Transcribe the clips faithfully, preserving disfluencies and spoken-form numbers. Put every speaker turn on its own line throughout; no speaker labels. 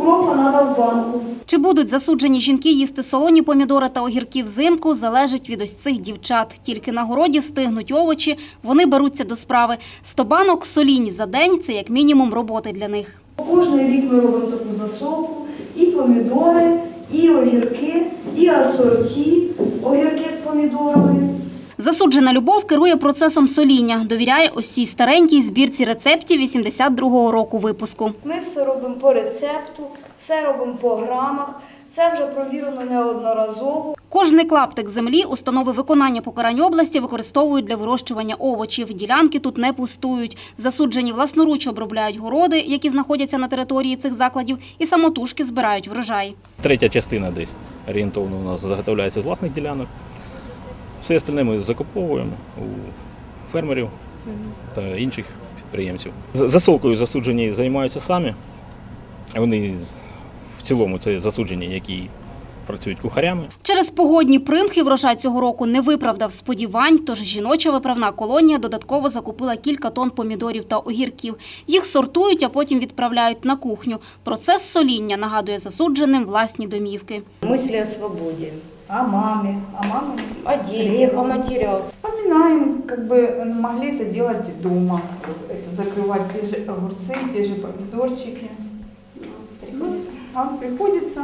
укропа треба в банку.
Чи будуть засуджені жінки їсти солоні помідори та огірки взимку, залежить від ось цих дівчат. Тільки на городі стигнуть овочі, вони беруться до справи. Сто банок солінь за день – це як мінімум роботи для них.
Кожний рік ми робимо таку засолку. І помідори, і огірки, і асорті, огірки з помідорами.
Засуджена Любов керує процесом соління. Довіряє ось цій старенькій збірці рецептів вісімдесят другого року випуску.
Ми все робимо по рецепту, все робимо по грамах. Це вже провірено неодноразово.
Кожний клаптик землі установи виконання покарань області використовують для вирощування овочів. Ділянки тут не пустують. Засуджені власноруч обробляють городи, які знаходяться на території цих закладів, і самотужки збирають врожай.
Третя частина десь орієнтовно у нас заготовляється з власних ділянок. Все остальне ми закуповуємо у фермерів та інших підприємців. Засолкою засуджені займаються самі. Вони в цілому це засуджені, які працюють кухарями.
Через погодні примхи врожай цього року не виправдав сподівань, тож жіноча виправна колонія додатково закупила кілька тонн помідорів та огірків. Їх сортують, а потім відправляють на кухню. Процес соління нагадує засудженим власні домівки.
Мысли о свободе,
О маме, о маме.
о детях, о матерях.
Вспоминаем, как бы могли это делать дома, это закрывать те же огурцы, те же помидорчики. Ну, а приходится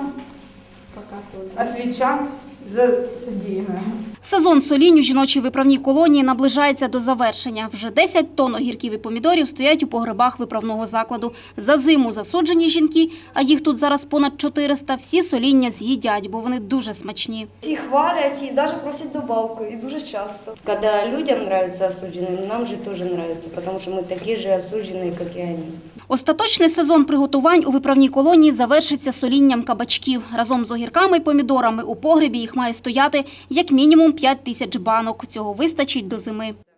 отвечать за содеянное.
Сезон солінь у жіночій виправній колонії наближається до завершення. Вже десять тонн огірків і помідорів стоять у погребах виправного закладу. За зиму засуджені жінки, а їх тут зараз понад чотириста, всі соління з'їдять, бо вони дуже смачні.
Всі хвалять і навіть просять добавку, і дуже часто.
Когда людям нравятся осужденные, нам же тоже нравится, потому что мы такие же осужденные, как и они.
Остаточний сезон приготувань у виправній колонії завершиться солінням кабачків. Разом з огірками і помідорами у погребі їх має стояти як мінімум п'ять тисяч банок. Цього вистачить до зими.